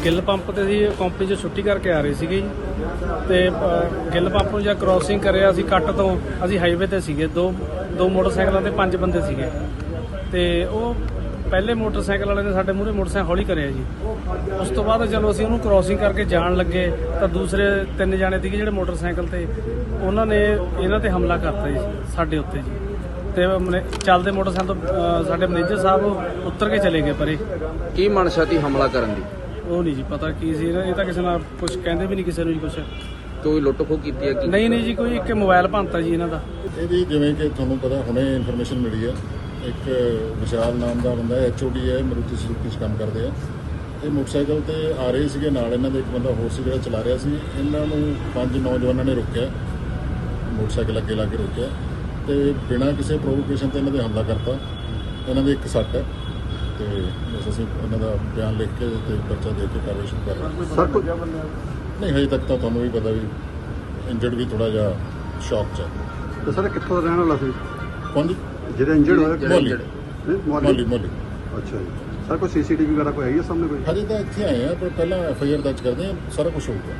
Gill pump ਤੇ ਅਸੀਂ company 'ਚ ਛੁੱਟੀ ਕਰਕੇ ਆ ਰਹੇ ਸੀਗੇ ਜੀ ਤੇ ਗਿੱਲ ਪੰਪ ਨੂੰ ਜਾਂ ਕ੍ਰੋਸਿੰਗ ਕਰਿਆ ਅਸੀਂ ਕੱਟ ਤੋਂ ਅਸੀਂ ਹਾਈਵੇ ਤੇ ਸੀਗੇ ਦੋ ਮੋਟਰਸਾਈਕਲਾਂ ਤੇ 5 ਬੰਦੇ ਸੀਗੇ ਤੇ ਉਹ ਪਹਿਲੇ ਮੋਟਰਸਾਈਕਲ ਵਾਲੇ ਨੇ ਸਾਡੇ ਮੂਹਰੇ ਮੋਟਰਸਾਈਕਲ ਹੌਲੀ ਕਰਿਆ ਜੀ। ਉਸ ਤੋਂ ਬਾਅਦ ਚਲੋ ਅਸੀਂ ਉਹਨੂੰ ਕ੍ਰੋਸਿੰਗ ਕਰਕੇ ਜਾਣ ਲੱਗੇ ਤਾਂ ਦੂਸਰੇ 3 ਜਾਣੇ ਸੀਗੇ ਜਿਹੜੇ ਮੋਟਰਸਾਈਕਲ ਤੇ ਉਹਨਾਂ ਨੇ ਇਹਨਾਂ ਤੇ ਹਮਲਾ ਕਰਤਾ ਜੀ ਸਾਡੇ ਉੱਤੇ ਜੀ ਤੇ ਚੱਲਦੇ ਮੋਟਰਸਾਈਕਲ ਤੋਂ ਸਾਡੇ ਮੈਨੇਜਰ ਸਾਹਿਬ ਉੱਤਰ ਕੇ ਚਲੇ ਗਏ ਪਰੇ। ਕੀ ਮਨਸ਼ਾ ਸੀ ਹਮਲਾ ਕਰਨ ਦੀ? ਉਹ ਨਹੀਂ ਜੀ ਪਤਾ ਕੀ ਸੀ ਇਹ ਤਾਂ ਕਿਸੇ ਨਾਲ ਕੁਝ ਕਹਿੰਦੇ ਵੀ ਨਹੀਂ ਕਿਸੇ ਨੂੰ ਜੀ ਕੁਝ। ਕੋਈ ਲੁੱਟ ਖੋਹ ਕੀਤੀ ਹੈ? ਨਹੀਂ ਜੀ ਕੋਈ ਇੱਕ ਮੋਬਾਈਲ ਭੰਨਤਾ ਜੀ ਇਹਨਾਂ ਦਾ। ਇਹਦੀ ਜਿਵੇਂ ਕਿ ਤੁਹਾਨੂੰ ਪਤਾ ਹੁਣੇ ਇਨਫੋਰਮੇਸ਼ਨ ਮਿਲੀ ਹੈ, ਇੱਕ ਵਿਸ਼ਾਲ ਨਾਮ ਦਾ ਬੰਦਾ HOD ਹੈ, ਮਾਰੂਤੀ ਸੁਜ਼ੂਕੀ 'ਚ ਕੰਮ ਕਰਦੇ ਆ। ਇਹ ਮੋਟਰਸਾਈਕਲ ਤੇ ਆ ਰਹੇ ਸੀਗੇ, ਨਾਲ ਇਹਨਾਂ ਦੇ ਇੱਕ ਬੰਦਾ ਹੋਰ ਸੀ ਜਿਹੜਾ ਚਲਾ ਰਿਹਾ ਸੀ। ਇਹਨਾਂ ਨੂੰ 5 ਨੌਜਵਾਨਾਂ ਨੇ ਰੋਕਿਆ, ਮੋਟਰਸਾਈਕਲ ਅੱਗੇ ਲਾ ਕੇ ਰੋਕਿਆ ਤੇ ਬਿਨਾਂ ਕਿਸੇ ਪ੍ਰੋਵੋਕੇਸ਼ਨ ਤੇ ਇਹਨਾਂ ਦੇ ਹਮਲਾ ਕਰਤਾ। ਇਹਨਾਂ ਦੇ ਇੱਕ ਸੱਟ ਹੈ ਤੇ ਬਸ ਅਸੀਂ ਉਹਨਾਂ ਦਾ ਬਿਆਨ ਲਿਖ ਕੇ ਤੇ ਪਰਚਾ ਦੇ ਕੇ ਕਾਰਵਾਈ ਸ਼ੁਰੂ ਕਰ ਰਹੇ ਹਾਂ। ਸਰ ਨਹੀਂ ਹਜੇ ਤੱਕ ਤਾਂ ਤੁਹਾਨੂੰ ਵੀ ਪਤਾ ਵੀ ਇੰਜਰਡ ਵੀ ਥੋੜਾ ਜਿਹਾ ਸ਼ੌਕ 'ਚ ਹੈ। ਤੇ ਸਰ ਕਿੱਥੋਂ ਦਾ ਰਹਿਣ ਵਾਲਾ ਸੀ ਕੌਣ ਜੀ? ਜਿਹੜਾ ਇੰਜਰਡ ਹੋਇਆ? ਮੋਹਾਲੀ। ਅੱਛਾ ਜੀ ਸਰ, ਕੋਈ CCTV ਵਗੈਰਾ ਕੋਈ ਹੈਗੀ ਹੈ ਸਾਹਮਣੇ ਕੋਈ? ਹਜੇ ਤਾਂ ਇੱਥੇ ਆਏ ਆ, ਪਰ ਪਹਿਲਾਂ FIR ਦਰਜ ਕਰਦੇ ਆ, ਸਾਰਾ ਕੁਝ ਹੋਊਗਾ।